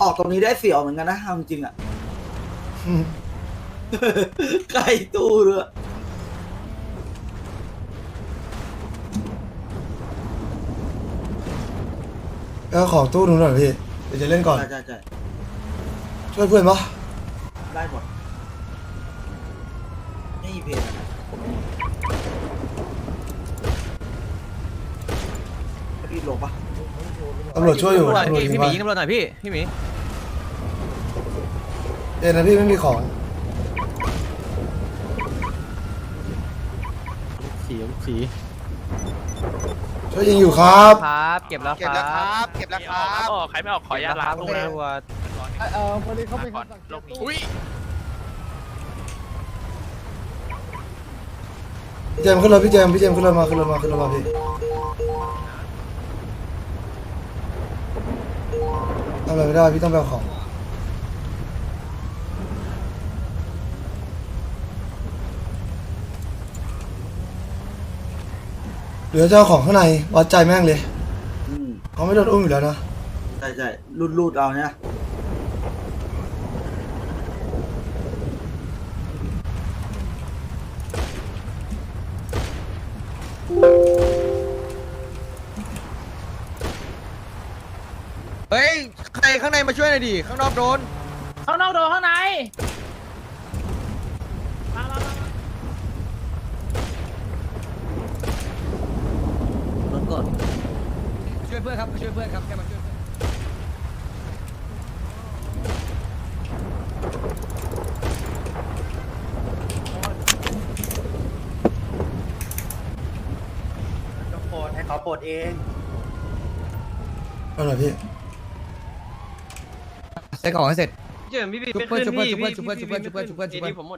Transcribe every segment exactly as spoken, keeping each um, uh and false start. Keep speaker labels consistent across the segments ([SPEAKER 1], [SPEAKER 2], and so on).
[SPEAKER 1] ออกตรงนี้ได้เสียวเหมือนกันนะเอาจริงๆอ่ะใกล้ตู้เลย
[SPEAKER 2] แล้วของตู้นู้นหน่อยพี่เดี๋ยวจะเล่นก่อน
[SPEAKER 1] ใช่ใช่ใช่
[SPEAKER 2] ช่วยเพื่อนปะ
[SPEAKER 1] ได้หมดไม่มีเพจอะพี่ลงปะ
[SPEAKER 2] ตำรวจช่วยอยู่
[SPEAKER 3] ตำรวจ
[SPEAKER 2] ตำรวจ
[SPEAKER 3] พี่
[SPEAKER 2] ยิง
[SPEAKER 3] พี่ห
[SPEAKER 2] ไป
[SPEAKER 3] มีตำรวจหน่อยพี่พี่หมี
[SPEAKER 2] เอ็นนะพี่ไม่มีของ
[SPEAKER 3] สีสี
[SPEAKER 2] ช่วยยิงอยู่ครับ
[SPEAKER 3] ครับเก็บแล้ว
[SPEAKER 4] เก็บแล้วครับเก็บแล้วครับ
[SPEAKER 5] ออกใครไม่ออกขออนุญาตล้างตู้นะ
[SPEAKER 6] เออพอดีเขาเป็นคำสั่ง
[SPEAKER 5] ลงนี้
[SPEAKER 4] อุ้ย
[SPEAKER 2] พี่เจมส์ขึ้นรถพี่เจมส์พี่เจมส์ขึ้นรถมาขึ้นรถมาขึ้นรถมาพี่ทำอะไรไม่ได้พี่ต้องไปเอาของเหลือเจ้าของข้างในวัดใจแม่งเลย
[SPEAKER 1] อืม
[SPEAKER 2] เขาไม่โดนอุ้มอยู่แล้วนะ
[SPEAKER 1] ใช่ใช่รูดรูดเอาเนี่ย
[SPEAKER 3] เฮ้ยใครข้างในมาช่วยหน่อยดิข้างนอกโดน
[SPEAKER 5] ข้างนอกโดนข้างในมามามา
[SPEAKER 1] รถก่อน
[SPEAKER 3] ช่วยเพื่อนครับช่วยเพื่อนครับแค่มาช่วยเพื่อน
[SPEAKER 4] ต้องโปรดให้เขาโปรดเอง
[SPEAKER 2] เอาหน่อยพี่
[SPEAKER 3] ใส่ของให้เสร็จ
[SPEAKER 5] เจิมพี่พี่
[SPEAKER 3] ชุบ
[SPEAKER 5] ไม่
[SPEAKER 3] เพื่อน
[SPEAKER 5] ขึ้น
[SPEAKER 3] ชุบเพื่อน
[SPEAKER 5] พี่
[SPEAKER 3] ชุบเพื่อนชุบเพื่อนชุบเพื่อนชุบเพื่อนชุบเพื่อนชุบเพื่อน
[SPEAKER 5] เอ็นดีผมหมด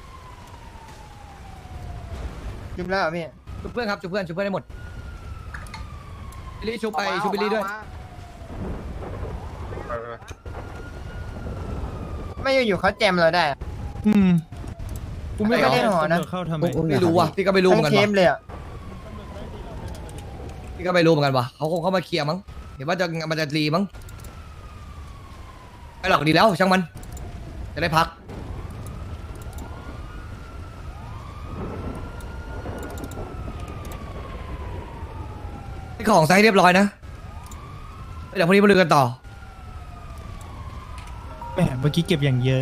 [SPEAKER 6] จุบแล้วพี่
[SPEAKER 3] ชุบเพื่อนครับชุบเพื่อนชุบเพื่อนให้หมดบิลลี่ชุบไปชุบบิลลี่ด้วย
[SPEAKER 6] ไม่อยู่ๆเขาแจมเราได้
[SPEAKER 7] อืมกูไม่
[SPEAKER 6] ไม่ได้หรอนะ
[SPEAKER 7] เข้าทำไม
[SPEAKER 3] ไม่รู้ว่ะพี่ก็ไม่รู้เหมื
[SPEAKER 6] ทั้
[SPEAKER 3] อง นกัน
[SPEAKER 6] เทม
[SPEAKER 3] ว่ะ
[SPEAKER 6] เลยอ่ะ
[SPEAKER 3] พี่ก็ไม่รู้เหมือนกันว่ะเขาคงเข้ามาเคลียร์มั้งเห็นว่าจะมันจะรีมั้งไม่หรอกดีแล้วช่างมันจะได้พักให้ของใส่เรียบร้อยนะเดี๋ยวพรุ่งนี้มาดูกันต่อ
[SPEAKER 7] แหมเมื่อกี้เก็บอย่างเยอะ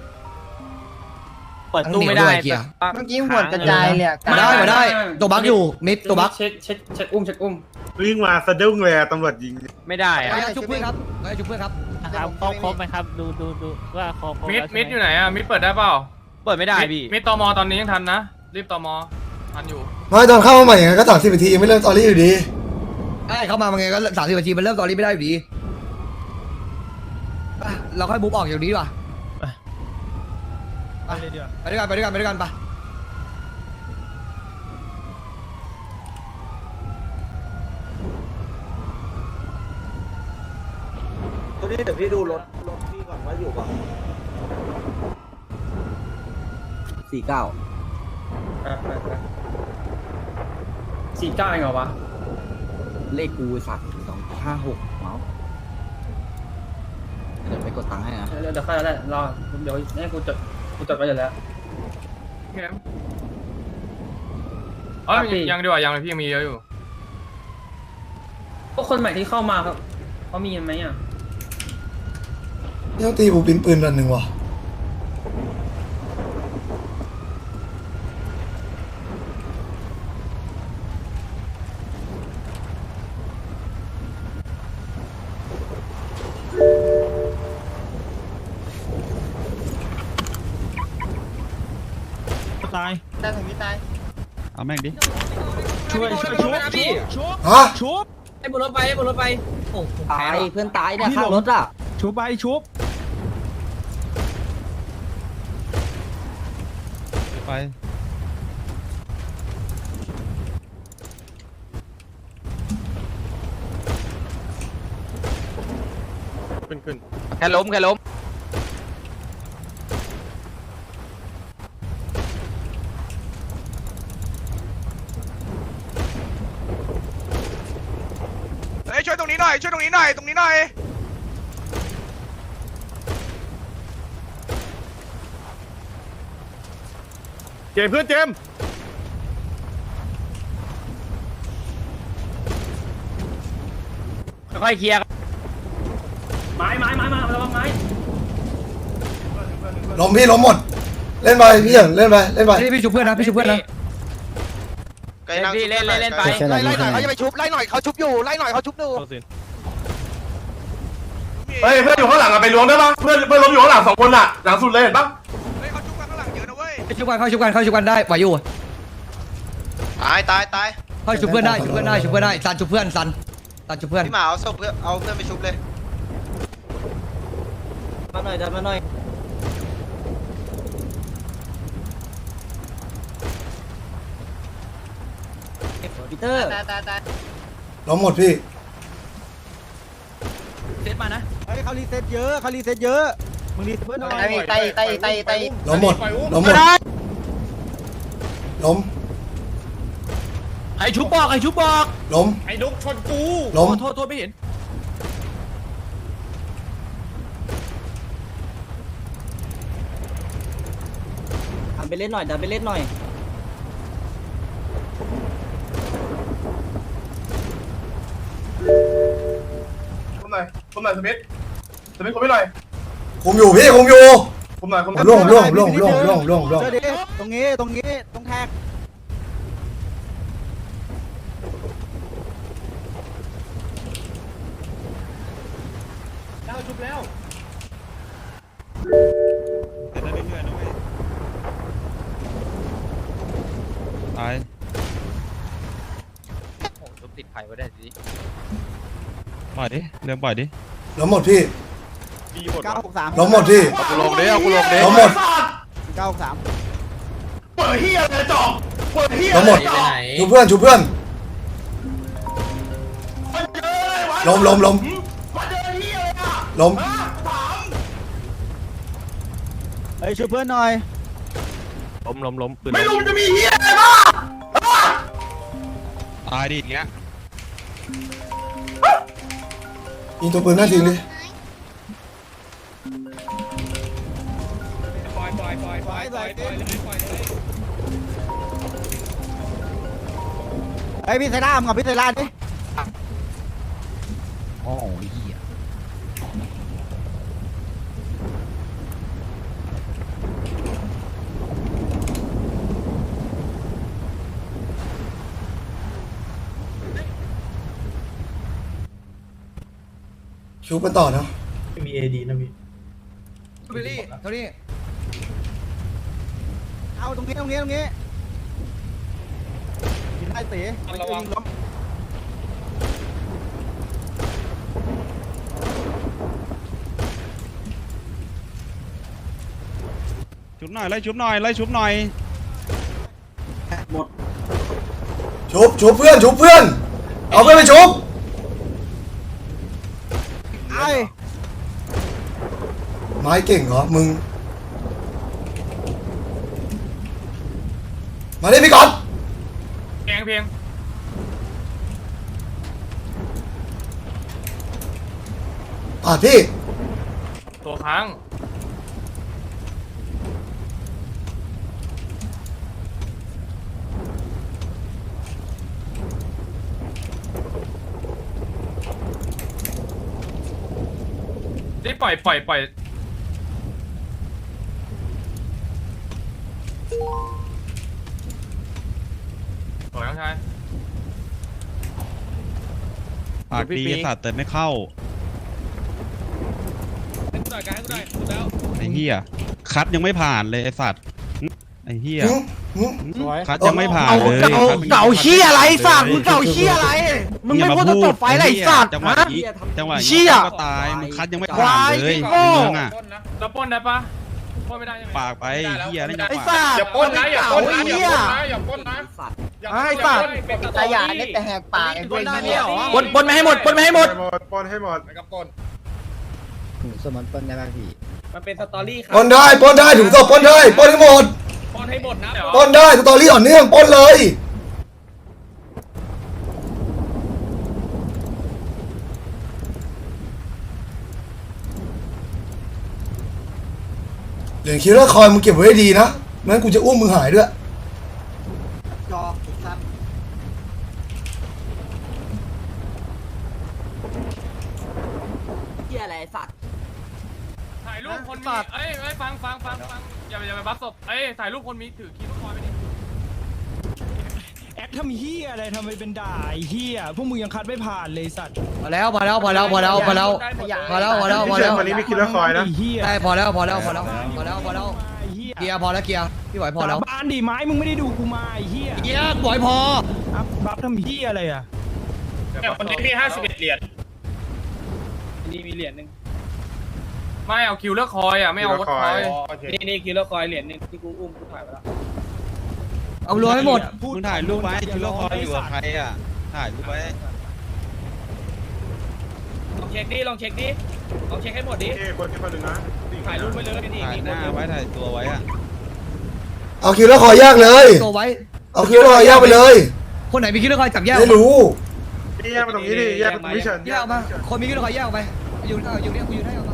[SPEAKER 5] เปิดตู้ไม่ได้
[SPEAKER 3] เกียร์
[SPEAKER 6] เมื่อกี้หัวกระจายเลยอะ
[SPEAKER 3] มาได้มาได้ตัวบั๊กอยู่มิดตัวบั๊ก
[SPEAKER 5] เช็คเช็คเช็คอุ้มเช็คอุ้ม
[SPEAKER 8] วิ่งมาสะดุ้งเลยอะตำรวจยิง
[SPEAKER 5] ไม่ได้อะ
[SPEAKER 3] ขออนุญาตชุบเพื่อนครับขออนุญาตชุบเพื่อนครับ
[SPEAKER 6] ครับครบครบไหมครับ
[SPEAKER 5] ดูดูดูว่าครบ
[SPEAKER 9] มิดมิดอยู่ไหนอะมิดเปิดได้เปล่า
[SPEAKER 5] เปิดไม่ได้พี่
[SPEAKER 9] มิดตมตอนนี้ยังทันนะ รีบตมทันอยู่
[SPEAKER 2] ไม่ตอนเข้ามาใหม่ยังไงก็สามสิบนาทียังไม่เริ่มตอรี่อยู่ดี
[SPEAKER 3] ได้เข้ามามันไงก็สามสิบนาทีมันเริ่มตอนนี้ไม่ได้อยู่ดีไปเราค่อยบุ๊บออกอย่างนี้ดีกว่า
[SPEAKER 7] ไปเลยดีกว่า
[SPEAKER 3] ไปด้วยกันไปด้วยกันไปด้วยกันไป
[SPEAKER 1] ตัวนี้เดี๋ยวพี่ดูรถรถพี่ก่อนว่าอยู่ป่ะสี่เก้า
[SPEAKER 5] สี่เก้าเองเหรอวะ
[SPEAKER 1] เลขกูสัตว์สองห้าหกเมาส์เดี๋ยวไปกดตังค์ให้นะ
[SPEAKER 5] เดี๋ยวเดี๋ยวค่อยได้รอเดี๋ยวให้กูจดกูจดไว้อยู่แล้ว
[SPEAKER 9] เข้มอ๋อยังดีกว่ายังเลยพี่ยังมีเยอะอยู่
[SPEAKER 5] พวกคนใหม่ที่เข้ามาครับเขามีไหมอ่ะ
[SPEAKER 2] นี่ต้องตีบูปินปืนรันหนึ่งว่ะ
[SPEAKER 7] ตาย
[SPEAKER 6] ได้ถึงพี่ตาย
[SPEAKER 7] เอาแม่งดิ ช่วยช่วยชุบชุบชุบ
[SPEAKER 2] ฮะ
[SPEAKER 7] ชุบ
[SPEAKER 5] ให้บนรถไปให้บนรถไปโอ้
[SPEAKER 1] ตายเพื่อนตายเนี่ยข้างรถอ่ะ
[SPEAKER 7] ชุบไปชุบไป
[SPEAKER 9] ขึ้นขึ้น
[SPEAKER 5] แค่ล้มแค่ล้ม
[SPEAKER 4] เฮ้ยช่วยตรงนี้หน่อยช่วยตรงนี้หน่อยตรงนี้หน่อย
[SPEAKER 8] เจมส์เพื่อนเจมส์
[SPEAKER 7] ค่อยเคลียร์
[SPEAKER 5] ไม้ไม้ไม้มาระวังไม้
[SPEAKER 2] ล้มพี่ล้มหมด เล่นไปพี่เฉินเล่นไปเล่นไป
[SPEAKER 3] นี่พี่ชุบเพื่อนนะพี่ชุบเพื่อนนะ
[SPEAKER 4] ไกลนั่ง
[SPEAKER 6] เล่นเล่นเล่นไป
[SPEAKER 4] ไล่ไล่หน่อยเขาจะไปชุบไล่หน่อยเขาชุบอยู่ไล่หน่อยเขาชุบอยู่
[SPEAKER 8] เฮ้ยเพื่อนอยู่ข้างหลังอะไปล้วงได้ปะเพื่อนเพื่อนล้มอยู่ข้างหลังสองคนอะหลังสุดเลยเห็นปะ
[SPEAKER 4] เฮ้ยเขาชุบกันข้างหลังเยอะนะเว้ย
[SPEAKER 3] ชุบกันเข้าชุบกันเข้าชุบกันได้ไหวอยู่
[SPEAKER 4] ตายตายตาย
[SPEAKER 3] เข้าชุบเพื่อนได้ชุบเพื่อนได้ชุบเพื่อนได้ซันชุบเพื่อนซันซันชุบเพื่อน
[SPEAKER 4] พี่หมาเอาศพเพื่อนเอาเพื่อนไปชุบเลย
[SPEAKER 1] มาหน่อยดันมาหน่อยปีเตอร์
[SPEAKER 6] ตายตายตาย
[SPEAKER 2] ล้มหมดพี่
[SPEAKER 7] เซตมานะ
[SPEAKER 1] เฮ้ยเขารีเซ็ตเยอะเขารีเซ็ตเยอะมึงรีเซ็ตเพื่อนหน่อย
[SPEAKER 6] ตายตายตายตาย
[SPEAKER 2] ล้มหมดล้มหมดล้ม
[SPEAKER 7] ไอชุบบอกไอชุบบอก
[SPEAKER 2] ล้ม
[SPEAKER 8] ไอ้นุกชนกู
[SPEAKER 2] ล้ม
[SPEAKER 7] โทษโทษไม่เห็น
[SPEAKER 1] ดันไปเล่นหน่อยดันไปเล่นหน่อย
[SPEAKER 8] คุมหน่อยคุมหน่อยสมิธสมิธคุมไม่หน่อย
[SPEAKER 2] คุมอยู่พี่คุมอยู่
[SPEAKER 8] คุมหน่อยคุม
[SPEAKER 2] ผมล่วงผมล่วงผมล่วงผมล่วงผมล่วงผมล่วงผมล่วง
[SPEAKER 1] เจอดิตรงนี้ตรงนี้ตรงแท็ก
[SPEAKER 3] ตาย
[SPEAKER 6] ชุบติดไข่ไว้ได้สิ
[SPEAKER 3] ปล่อยดิเริ่มปล่อยดิ
[SPEAKER 2] ล้มหมดพี่
[SPEAKER 1] เก้าหกสาม
[SPEAKER 2] ล้มหมดพี่
[SPEAKER 4] กูลงเด้เอากูลงเด้
[SPEAKER 2] ล้มหมด
[SPEAKER 1] เก้าหกสาม
[SPEAKER 8] เปิดเฮียอะไรจ่อเปิดเฮีย
[SPEAKER 2] ล้มหมดชูเพื่อนชูเพื่อนล้มล้มล้ม
[SPEAKER 8] มาเจอเฮียเลยอะ
[SPEAKER 2] ล้ม
[SPEAKER 1] เฮ้ยช่วยเพื่อนหน่อย
[SPEAKER 9] ล้มล้มล้มปืน
[SPEAKER 8] ไม่รู้มันจะมีเฮียอะไรบ้าง
[SPEAKER 3] ตายดิอย่างเงี้ย
[SPEAKER 2] ยิงตัวปืนหน้าทิ้งดิ
[SPEAKER 9] ปล่อยปล่อยปล่อยปล่อยปล่อยปล่อยเลยปล่อยเลย
[SPEAKER 1] เฮ้ยพี่ไซร่ามึงกับพี่ไซร่าดิ
[SPEAKER 3] โอ้ยเหี้ย
[SPEAKER 2] ชูกันต่อเนาะ
[SPEAKER 5] มีเอดีนะพี่
[SPEAKER 3] บิลลี่เท่านี้
[SPEAKER 1] เอาตรงนี้ตรงนี้ตรงนี้ยิงได้เต๋ระวังล้ม
[SPEAKER 3] ชุบหน่อยไล่ชุบหน่อยไล่ชุบหน่อย
[SPEAKER 2] ชุบชุบเพื่อนชุบเพื่อนเอาเพื่อนไปชุบ
[SPEAKER 1] ไอ้
[SPEAKER 2] ไม้เก่งเหรอมึงมาดิพี่ก่อน
[SPEAKER 9] แกงเพียง
[SPEAKER 2] อ่ะพี่
[SPEAKER 9] ตัวค้างได้ปล่อยปล่อยปล่อยปล่อยน้องชาย
[SPEAKER 3] ปากดีสัตว์แต่ไม่เข้า
[SPEAKER 9] ให้กูหน่อยกันให้กูหน่อยสุดแล้ว
[SPEAKER 3] ไอ้เหี้ยคัดยังไม่ผ่านเลยไอ้สัตว์ไอ้เหี้ย
[SPEAKER 2] หึหึ
[SPEAKER 3] คัดยังไม่ผ่านเลย
[SPEAKER 7] เก่าเก่าเชี่ยอะไรสัตว์มึงเก่าเชี่ยอะไรมึงไม่พูดจะจบไฟอะไรสัตว์
[SPEAKER 3] จังหวะ
[SPEAKER 7] ฮะ
[SPEAKER 3] นี้จังหวะ
[SPEAKER 7] เชี่
[SPEAKER 3] นี้
[SPEAKER 7] ย
[SPEAKER 3] ก็ตายมึงคัดยังไม่
[SPEAKER 7] ควา
[SPEAKER 3] ผ่าน
[SPEAKER 7] ย
[SPEAKER 3] เลย
[SPEAKER 7] โง่
[SPEAKER 3] ในเมืองอ่ะ
[SPEAKER 9] เราปล้นได้ปะปล้นไม่ได้ใช่ไหม
[SPEAKER 3] ปากไปเหี้ยนี่จัง
[SPEAKER 7] ไอ้
[SPEAKER 3] หวะ
[SPEAKER 7] สัตว์
[SPEAKER 8] อย่าปล้นนะอย่าปล้นนะอย่าปล้น
[SPEAKER 7] เหี้ย
[SPEAKER 8] นะอย่าปล้นนะ
[SPEAKER 1] สัตว์
[SPEAKER 7] ไอ้สัตว์
[SPEAKER 6] ตายาเล่นแต่แหกปากไอ้พวกนี้
[SPEAKER 7] ปนปนไม่ให้หมดปนไม่ให้หมด
[SPEAKER 8] ปล้นให้หมดไปกับปล้น
[SPEAKER 1] สมอนเปิ้ลได้ป่ะพี่
[SPEAKER 9] มันเป็นสตอรี่ครั
[SPEAKER 2] ปล้นได้ปล้นได้ถูกต้องปล้นได้ปล้นให้หมด
[SPEAKER 9] ปล้นให้หมดนะ
[SPEAKER 2] ปล้นได้สตอรี่อ่อนเนื่องปล้นเลยเหรียญคิลเลอร์คอยมึงเก็บไว้ให้ดีนะไม่งั้นกูจะอุ้มมึงหายด้วย
[SPEAKER 1] หี้ยอะไรสัตว์
[SPEAKER 9] ถ่ายรูปคนมีเอ้ยเอ้ยฟังฟังฟังฟังอย่าอย่าไปบัฟศพเอ้ยถ่ายรูปคนมีถือคีย์ลูกคอยไปดิ
[SPEAKER 7] แอคทำเฮียอะไรทำไมเป็นด่าไอ้เฮียพวกมึงยังคัดไม่ผ่านเลยสัตว์
[SPEAKER 3] พอแล้วพอแล้วพอแล้วพอแล้วพอแล้วพอแล้วพอแล้วพอแล้ว
[SPEAKER 8] วันนี้มีคิดแล้วคอยนะ
[SPEAKER 7] ไอ้เฮีย
[SPEAKER 3] ได้พอแล้วพอแล้วพอแล้วพอแล้วพอแล้ว
[SPEAKER 7] ไอ้เฮีย
[SPEAKER 3] เกียร์พอแล้วเกียร์พี่ไหวพอแล้ว
[SPEAKER 7] สาบานดิไม้มึงไม่ได้ดูกูมาไอ้เฮีย
[SPEAKER 3] เกียร์ไหวพอ
[SPEAKER 7] อัพบัฟทำเฮียอะไรอ่ะ
[SPEAKER 9] เนี่ยคนนี้มีห้าสิบเอ็ดเหรียญนี่มีเหรียญหนึ่งไม่เอาคิวเลือกคอยอ่ะไม่เอาวัดคอยนี่นี่คิวเลือกคอยเหรียญหนึ่งที่กูอุ้มกูถ่ายไปแล้ว
[SPEAKER 3] เอารวมให้หมด
[SPEAKER 7] มึงถ่ายรูปไว้คิวเลอร์คอยอยู่กับใคร
[SPEAKER 6] ถ่ายรูปไว้
[SPEAKER 9] ลองเช็คดิลองเช็คดิลองเช็คให้หมดดิ
[SPEAKER 8] เอ้คนที่คนหนึ่งนะ
[SPEAKER 9] ถ่ายรูปไปเลยนี่
[SPEAKER 6] ถ่าย
[SPEAKER 9] มี
[SPEAKER 6] หน้าไว้ถ่ายตัวไว้อะ
[SPEAKER 2] เอาคิวแล้วขอยากเลย
[SPEAKER 3] ตัวไว้
[SPEAKER 2] เอาคิวแล้วขอยากไปเลย
[SPEAKER 3] คนไหนมีคิวเลอร์คอยจับแยก
[SPEAKER 2] ไม่รู้
[SPEAKER 8] แยกมาตรงนี้ดิแยกมาตรงนี้เฉิน
[SPEAKER 3] แยกออกมาคนมีคิวเลอร์คอยแยกออกไปอยู่เอาอยู่เนี่ยกูอยู่ได้ออกมา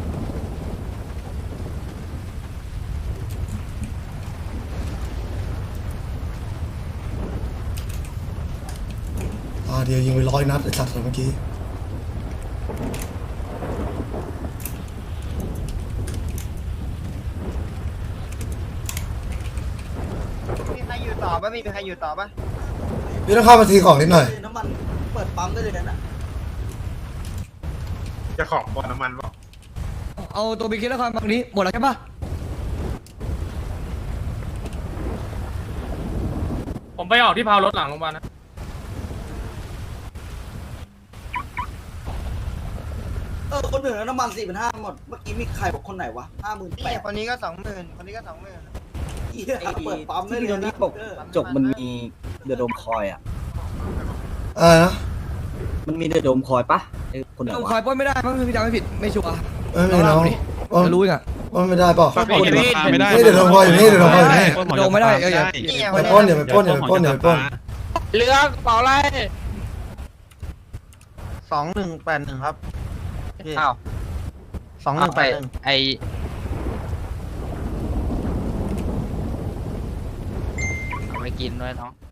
[SPEAKER 2] อ่าเดี๋ยวยิงไปร้อยนัดไอ้สัตว์เมื่อกี้
[SPEAKER 6] มีใครอยู่ต่อปะมีใครอยู่ต่อปะ
[SPEAKER 2] พี่ต้องเข้ามาทีของนิดหน่อย
[SPEAKER 1] น้ำมันเปิดปั๊มได้เลยนะ
[SPEAKER 8] จะของบอลน้ำมันป่ะ
[SPEAKER 3] เอาตัวมีคิวเลอร์คอยมาตรงนี้หมดแล้วใช่ปะ
[SPEAKER 9] ผมไปออกที่พาวรถหลังโรงพยาบาลนะ
[SPEAKER 1] เออคนอื่นน้ำมันสี่พันห้าหมดเมื่อกี้มีใครบอกคนไหนวะห้าหมื่นแป
[SPEAKER 6] นี่
[SPEAKER 1] ด
[SPEAKER 6] คนนี้ก็สองหมื่นคนนี้ก็สองหมื่น
[SPEAKER 1] เปิดปั๊มได้เลยนะจบมันมีเดือดมคอยอ่ะ
[SPEAKER 2] อ่านะ
[SPEAKER 1] มันมีเดือดมคอยปะไอ้คนไหน
[SPEAKER 3] คอยว
[SPEAKER 1] ะ
[SPEAKER 3] ปล้นไม่ได้เพราะพี่จำไม่ผิดไม่ชัวร์
[SPEAKER 2] เอ้ยไม่น้อง
[SPEAKER 3] จะรู้อีกอ่ะ
[SPEAKER 2] ว่าไม่ได้เปล่า
[SPEAKER 8] ไม่ได้
[SPEAKER 2] นี่เดี๋ยวโดนพออยู่นี่เดี๋ยวโดนพออยู่นี่
[SPEAKER 3] โดนไม่ได้เอออย่า
[SPEAKER 2] ไปปล้นอย่าไปปล้นอย่าไปปล้นอย่าไปปล้น
[SPEAKER 7] เรือกระเป๋าอะไร
[SPEAKER 6] สองหนึ่งแปดหนึ่งครับ
[SPEAKER 7] อ้าว
[SPEAKER 6] สองหนึ่งแปดหนึ่ง
[SPEAKER 7] ไอ
[SPEAKER 6] เอาไปกินด้วยเนาะ